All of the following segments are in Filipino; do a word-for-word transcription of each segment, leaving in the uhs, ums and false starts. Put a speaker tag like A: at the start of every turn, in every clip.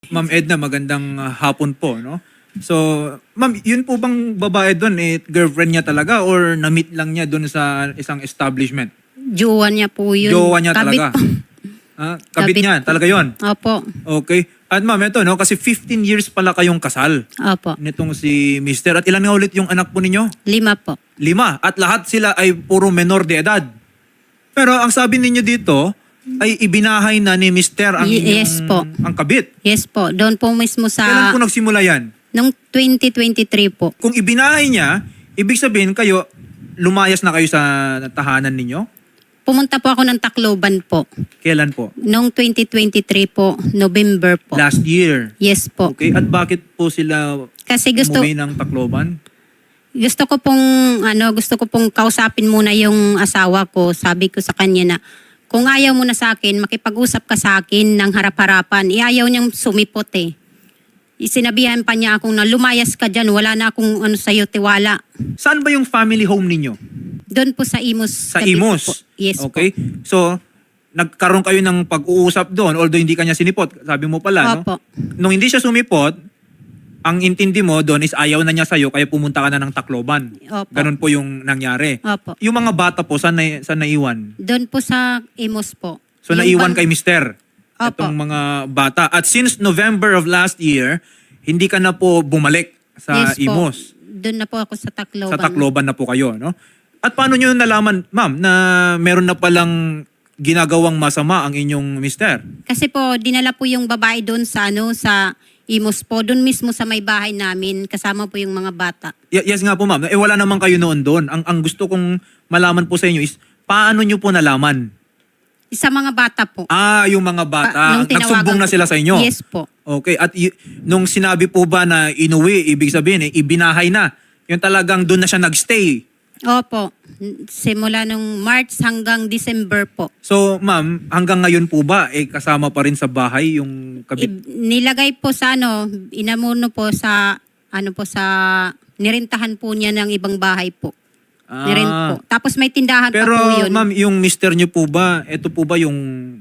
A: Ma'am Edna, magandang ah, hapon po, no? So, ma'am, yun po bang babae doon, eh, girlfriend niya talaga or na-meet lang niya doon sa isang establishment?
B: Jowa niya po yun.
A: Jowa niya
B: Kabit
A: talaga?
B: po.
A: Ah, kabit,
B: Kabit
A: niya,
B: po.
A: talaga yon.
B: Opo.
A: Okay. At ma'am, ito, no? Kasi fifteen years pala kayong kasal
B: Opo.
A: nitong si Mister. At ilan nga ulit yung anak po ninyo?
B: Lima po.
A: Lima. At lahat sila ay puro menor de edad. Pero ang sabi ninyo dito, ay ibinahay na ni Mister ang
B: Ye-
A: inyong,
B: yes po.
A: ang kabit.
B: Yes po. Doon po mismo
A: Kailan
B: sa...
A: po nagsimula yan?
B: Nung twenty twenty-three po.
A: Kung ibinahay niya, ibig sabihin kayo, lumayas na kayo sa tahanan ninyo?
B: Pumunta po ako ng Tacloban po.
A: Kailan po?
B: Nung twenty twenty-three po, November po.
A: Last year.
B: Yes po.
A: Okay. At bakit po sila
B: Kasi gusto
A: umuwi ng Tacloban?
B: gusto ko pong ano, gusto ko pong kausapin muna yung asawa ko. Sabi ko sa kanya na kung ayaw mo na sa akin, makipag-usap ka sa akin ng harap-harapan. Iayaw niyang sumipot eh. Sinabihan pa niya akong na lumayas ka dyan, wala na akong ano sa'yo, tiwala.
A: Saan ba yung family home ninyo?
B: Doon po sa Imus.
A: Sa
B: Cavite
A: Imus?
B: po. Yes
A: Okay.
B: po.
A: So, nagkaroon kayo ng pag-uusap doon, although hindi kanya sinipot. Sabi mo pala, no?
B: Opo.
A: Nung hindi siya sumipot, ang intindi mo doon is ayaw na niya sa'yo, kaya pumunta ka na ng Tacloban.
B: Opo.
A: Ganun po yung nangyari.
B: Opo.
A: Yung mga bata po, saan, na, saan naiwan?
B: Doon po sa Imus po.
A: So,
B: Yung
A: naiwan
B: bang-
A: kay Mister.
B: Opo.
A: Itong mga bata. At since November of last year, hindi ka na po bumalik sa
B: Yes po.
A: Imus.
B: Doon na po ako sa Tacloban.
A: Sa Tacloban na po kayo, no? At paano nyo nalaman, ma'am, na meron na palang ginagawang masama ang inyong mister?
B: Kasi po, dinala po yung babae doon sa ano, sa Imus po. Doon mismo sa may bahay namin, kasama po yung mga bata.
A: Y- yes nga po, ma'am. Eh, wala naman kayo noon doon. Ang, ang gusto kong malaman po sa inyo is, paano nyo po nalaman?
B: Sa mga bata po.
A: Ah, yung mga bata.
B: Ah, nung tinawagan
A: Nagsumbong na
B: ko
A: sila
B: po.
A: sa inyo?
B: Yes po.
A: Okay. At y- nung sinabi po ba na inuwi, ibig sabihin, eh, ibinahay na. Yung talagang doon na siya nagstay.
B: Opo. Simula nung March hanggang December po.
A: So, ma'am, hanggang ngayon po ba, eh, kasama pa rin sa bahay yung kabit?
B: I- nilagay po sa ano, inamuno po sa, ano po sa, nirintahan po niya ng ibang bahay po.
A: Ah.
B: Nirent po. Tapos may tindahan
A: Pero,
B: pa po yun.
A: ma'am, yung mister niyo po ba, ito po ba yung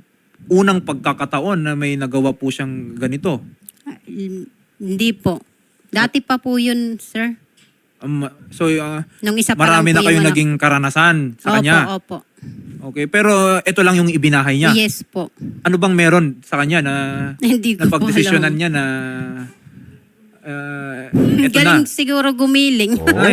A: unang pagkakataon na may nagawa po siyang ganito?
B: Ah, Hindi po. Dati pa po yun, sir.
A: Um, so, uh,
B: Nung isa pa
A: marami na
B: lang po
A: kayong
B: yung anak.
A: naging karanasan sa
B: Opo,
A: kanya.
B: opo.
A: Okay, pero ito lang yung ibinahay niya.
B: Yes po.
A: Ano bang meron sa kanya na
B: Hindi ko po
A: napagdesisyonan
B: alam.
A: niya na uh, ito
B: Galing
A: na?
B: siguro gumiling.
A: Ay.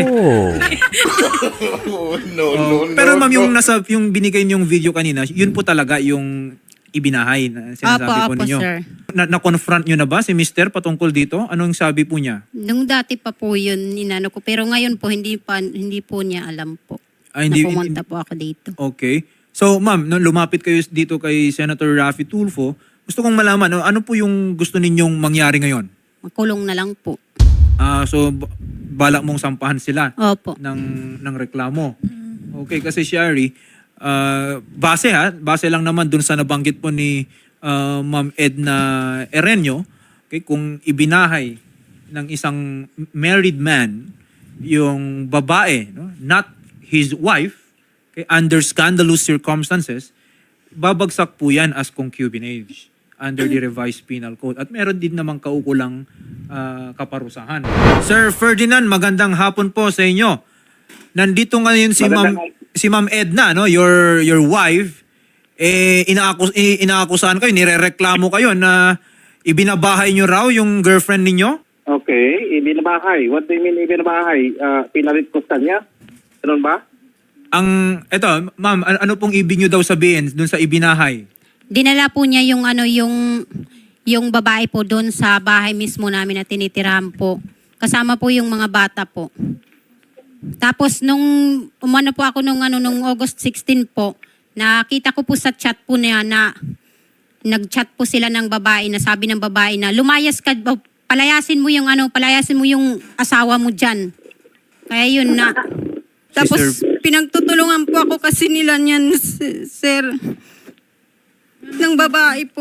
C: Oh, no,
A: Oh,
C: no,
A: pero
C: no,
A: ma'am,
C: no.
A: yung nasa yung binigay niyong video kanina, yun po talaga yung ibinahay na sinasabi
B: Opo,
A: po
B: opo,
A: ninyo.
B: sir.
A: Na, na-confront niyo na ba si mister patungkol dito? Anong sabi po niya?
B: Nung dati pa po yun, inano ko. Pero ngayon po, hindi, pa, hindi po niya alam po.
A: Ah, hindi-
B: na pumunta po ako dito.
A: Okay. So, ma'am, nung lumapit kayo dito kay Senator Raffy Tulfo, gusto kong malaman, no, ano po yung gusto ninyong mangyari ngayon?
B: Makulong na lang po.
A: Ah, so, b- balak mong sampahan sila
B: Opo.
A: ng, ng reklamo. Okay, kasi Shari, ah, base ha, base lang naman dun sa nabanggit po ni ah, Ma'am Edna Erenyo, okay, kung ibinahay ng isang married man yung babae, no, not his wife, okay, under scandalous circumstances, babagsak po yan as concubinage under the revised penal code. At meron din namang kaukulang ah, kaparusahan. Sir Ferdinand, magandang hapon po sa inyo. Nandito ngayon si Ma'am si Ma'am Edna, no, your your wife, eh inaakus eh, inaakusahan kayo, nirereklamo kayo na ibinabahay niyo raw yung girlfriend ninyo?
D: Okay, ibinabahay. What do you mean ibinabahay? Uh, pinalit ko sa niya? Ganun ba?
A: Ang eto, ma'am, an- ano pong ibig niyo daw sabihin dun sa ibinahay?
B: Dinala po niya yung ano, yung, yung babae po doon sa bahay mismo namin na tinitirahan po. Kasama po yung mga bata po. Tapos nung umano po ako nung ano nung August sixteen po, nakita ko po sa chat po niya na nag-chat po sila ng babae na sabi ng babae na lumayas ka, palayasin mo yung ano, palayasin mo yung asawa mo diyan. Kaya yun na. Tapos
A: Sister-
B: pinagtutulungan po ako kasi nila niyan, s- sir. Ng babae po.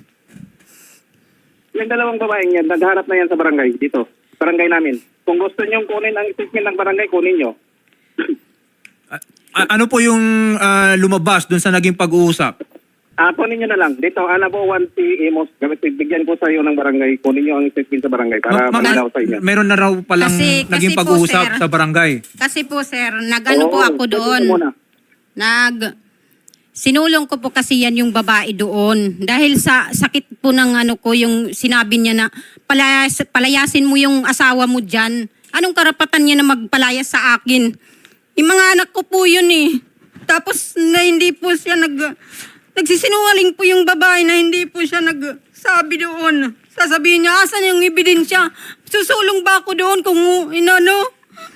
D: Yung dalawang babaeng yan, nagharap na yan sa barangay dito. Barangay namin. Kung gusto nyo kunin ang statement ng barangay, kunin nyo.
A: A- ano po yung ah, lumabas dun sa naging pag-uusap?
D: Ah, kunin nyo na lang. Dito, Anabo one si Amos. Gamit, bigyan ko sa iyo ng barangay. Kunin nyo ang statement sa barangay para
A: Ma- ma'am,
D: malinaw sa inyo.
A: meron na raw palang
B: Kasi-
A: naging
B: kasi po,
A: pag-uusap
B: sir.
A: sa barangay.
B: Kasi po sir, nag-ano po
D: Oo,
B: ako
D: sabi
B: doon.
D: ko muna.
B: Nag sinulong ko po kasi yan yung babae doon. Dahil sa sakit po ng ano ko, yung sinabi niya na palayas, palayasin mo yung asawa mo dyan. Anong karapatan niya na magpalayas sa akin? Yung mga anak ko po yun eh. Tapos na hindi po siya nag... Nagsisinungaling po yung babae na hindi po siya nagsabi doon. Sasabihin niya, asan yung ebidensya? Susulong ba ako doon kung inano?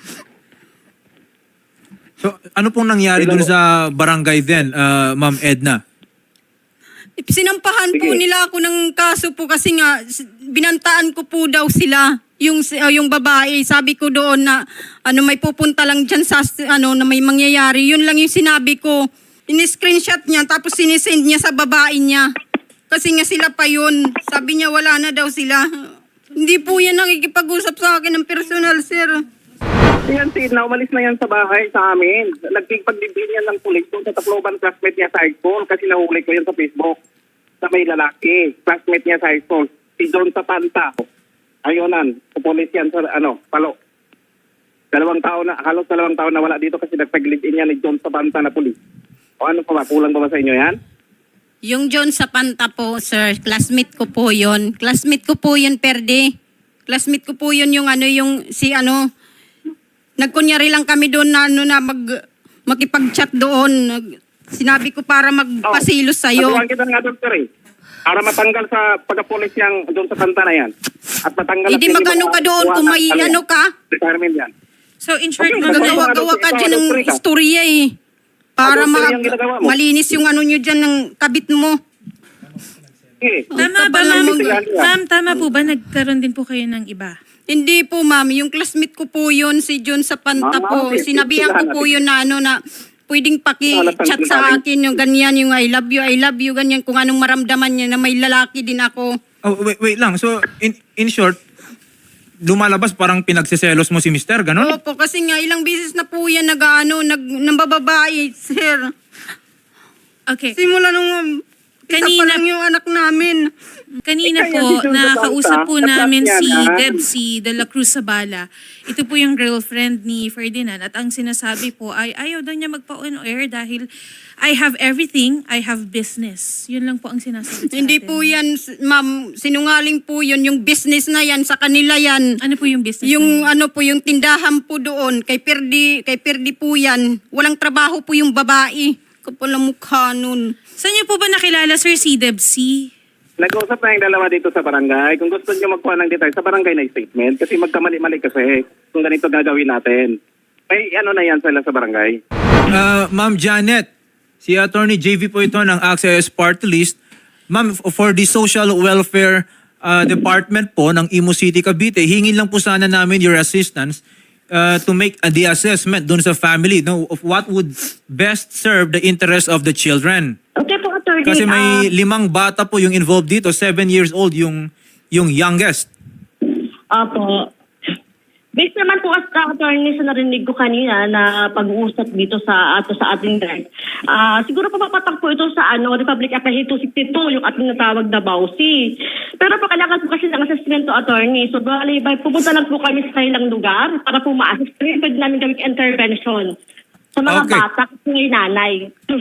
A: So, ano pong nangyari dun sa barangay din, ah, Ma'am Edna?
B: Sinampahan po
D: Sige.
B: nila ako ng kaso po kasi nga s- binantaan ko po daw sila yung si- uh, yung babae. Sabi ko doon na ano may pupunta lang diyan sa s- ano na may mangyayari. Yun lang yung sinabi ko. Ini-screenshot niya tapos sinisend niya sa babae niya. Kasi nga sila pa yun. Sabi niya wala na daw sila. Hindi po yan nakikipag-usap sa akin ng personal, sir.
D: Yan si Edna, umalis na yan sa bahay sa amin. Nagpagdibin yan ng pulis doon sa Tacloban, classmate niya sa high school kasi nahuli ko yan sa Facebook. Sa may lalaki, classmate niya sa high school. Si John Sapanta. Ayonan, pupulis yan sa ano, palo. Dalawang taon na, halos dalawang taon na wala dito kasi nagpag-live-in yan ni John Sapanta na pulis. O ano pa ba, kulang ba ba sa inyo yan?
B: Yung John Sapanta po, sir, classmate ko po yun. Classmate ko po yun, Perde. Classmate ko po yun yung ano, yung si ano, nagkunyari lang kami doon na ano na mag, makipag-chat doon. Nag- Sinabi ko para magpasilos sa'yo.
D: Patuwan kita nga, Doctor eh. Para matanggal sa pagkapulis yang John Sapanta na yan. At matanggal...
B: Hindi
D: at
B: magano ka doon kung may ano ka.
D: Retirement yan.
C: So in short,
D: Okay,
C: ma'am,
D: nagagawa-
B: Gagawa-gawa ka
D: Ikaw,
B: dyan ng
D: doktor ka.
B: istorya eh. Para
D: Ah, doktor,
B: ma-
D: yung ginagawa mo.
B: malinis yung ano nyo dyan ng kabit mo.
D: Eh,
C: tama ba,
B: Kapal
C: ma'am?
B: mo-
C: Ma'am, tama po ba nagkaroon din po kayo ng iba?
B: Hindi po ma'am, yung classmate ko po yun, si John Sapanta
D: Ah,
B: po.
D: okay.
B: Sinabihan ko po yun na ano na pwedeng paki-chat sa akin yung ganyan, yung I love you, I love you, ganyan, kung anong maramdaman niya na may lalaki din ako.
A: Oh, wait, wait lang. So, in, in short, lumalabas parang pinagsiselos mo si Mister, ganon?
B: Opo, kasi nga ilang beses na po yan nag-ano, nag, nambababae, sir.
C: Okay.
B: Simula nung isa pa
C: Kanina-
B: lang yung anak namin.
C: Kanina
D: Eh, kaya
C: po,
D: si John
C: nakakausap po
D: Zapata,
C: namin
D: nag-chat
C: si
D: yan, ah.
C: Debsy de la Cruz Zabala. Ito po yung girlfriend ni Ferdinand. At ang sinasabi po ay ayaw daw niya magpa-on air dahil I have everything, I have business. Yun lang po ang sinasabi sa
B: Hindi
C: atin.
B: po yan, s- ma'am, sinungaling po yun, yung business na yan, sa kanila yan.
C: Ano po yung business?
B: Yung
C: niya?
B: ano po, yung tindahan po doon, kay Perdi, kay Perdi po yan. Walang trabaho po yung babae. Kapal ang mukha nun.
C: Saan niyo po ba nakilala, Sir, si Debsy?
D: nag-usap na yung dalawa dito sa barangay. Kung gusto nyo magkuha ng detail, sa barangay na statement. Kasi magkamali-mali kasi kung ganito gagawin natin. May ano na yan sila sa barangay.
A: Uh, Ma'am Janet, si Attorney J V po ito ng Access Party List. Ma'am, f- for the Social Welfare uh, Department po ng Imo City, Cavite, hingin lang po sana namin your assistance uh, to make uh, the assessment dun sa family no, of what would best serve the interest of the children.
E: Okay po, attorney.
A: Kasi may
E: Ah,
A: limang bata po yung involved dito, seven years old yung yung youngest.
E: Opo. Based naman po as attorney sa narinig ko kanina na pag-uusap dito sa ato sa ating direct. Ah, siguro po papatak po ito sa ano Republic Act two sixty-two yung ating natawag na B A U S I. Pero po kailangan po kasi ng assessment to attorney. So bali by pupunta lang po kami sa kanilang lugar para po ma-assist. Pwede namin gawing intervention sa mga
A: Okay.
E: bata at mga nanay.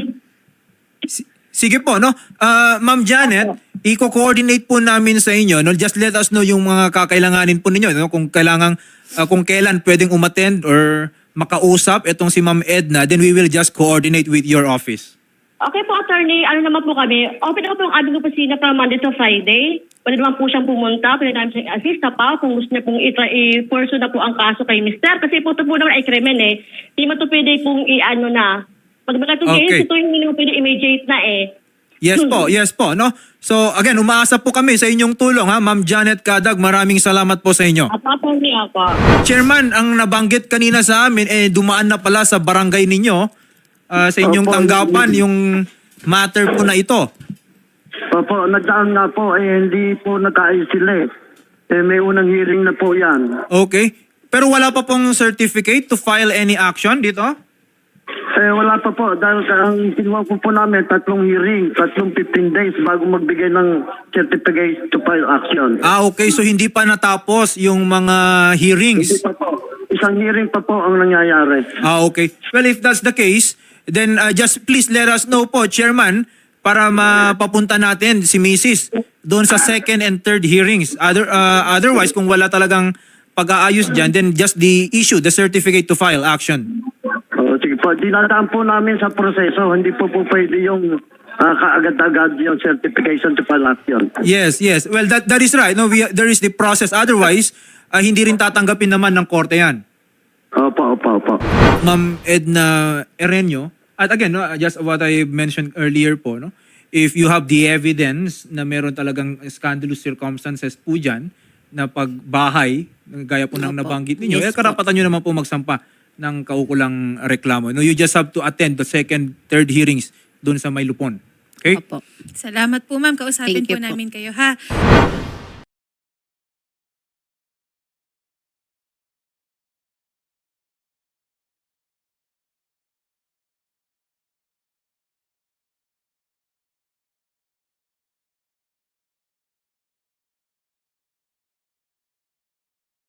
A: Si- Sige po, no? Ah, Ma'am Janet, i-coordinate po namin sa inyo. No? Just let us know yung mga kakailanganin po ninyo. No? Kung kailangan, ah, kung kailan pwedeng umattend or makausap itong si Ma'am Edna, then we will just coordinate with your office.
E: Okay po, attorney. Ano naman po kami? Open ako po ang aming opisina from Monday to Friday. Pwede naman po siyang pumunta. Pwede namin siyang assist na pa kung gusto niya pong i-pursue na po ang kaso kay Mister. Kasi po ito po naman ay krimen eh. Hindi mo ito pwede pong i-ano na. Pag mga itong
A: Okay.
E: case, ito yung hindi mo pwede immediate na eh.
A: Yes po, yes po, no? So again, umaasa po kami sa inyong tulong, ha? Ma'am Janet Kadag, maraming salamat po sa inyo.
E: At attorney ako.
A: Chairman, ang nabanggit kanina sa amin, eh dumaan na pala sa barangay ninyo, ah, sa inyong
F: Opo.
A: tanggapan, yung matter po na ito.
F: Opo, nagdaan nga po, eh, hindi po nag-ayos sila eh. Eh, may unang hearing na po yan.
A: Okay. Pero wala pa pong certificate to file any action dito?
F: Eh, wala pa po. Dahil ang kinuha po po namin, tatlong hearing, tatlong fifteen days bago magbigay ng certificate to file action.
A: Ah, okay. So hindi pa natapos yung mga
F: Hindi
A: hearings.
F: pa po. Isang hearing pa po ang nangyayari.
A: Ah, okay. Well, if that's the case, then uh, just please let us know po, Chairman, para mapapunta natin si Missus doon sa second and third hearings. Other, uh, otherwise, kung wala talagang pag-aayos dyan, then just the issue, the certificate to file action.
F: Oh, sige po. Dinadaan po namin sa proseso. Hindi po po pwede yung ah, kaagad-agad yung certification to file action.
A: Yes, yes. Well, that that is right. No, we, there is the process. Otherwise, uh, hindi rin tatanggapin naman ng korte yan.
F: Opo, opo, opo.
A: Ma'am Edna Erenio, at again, no, just what I mentioned earlier po, no, if you have the evidence na meron talagang scandalous circumstances po dyan, na pagbahay, gaya po ng
B: Opo.
A: nabanggit ninyo,
B: Yes
A: eh, karapatan nyo naman po magsampa ng kaukulang reklamo. No, you just have to attend the second, third hearings doon sa Maylupon. Okay?
B: Opo.
C: Salamat po ma'am, kausapin
B: Thank you
C: po
B: po.
C: namin kayo ha.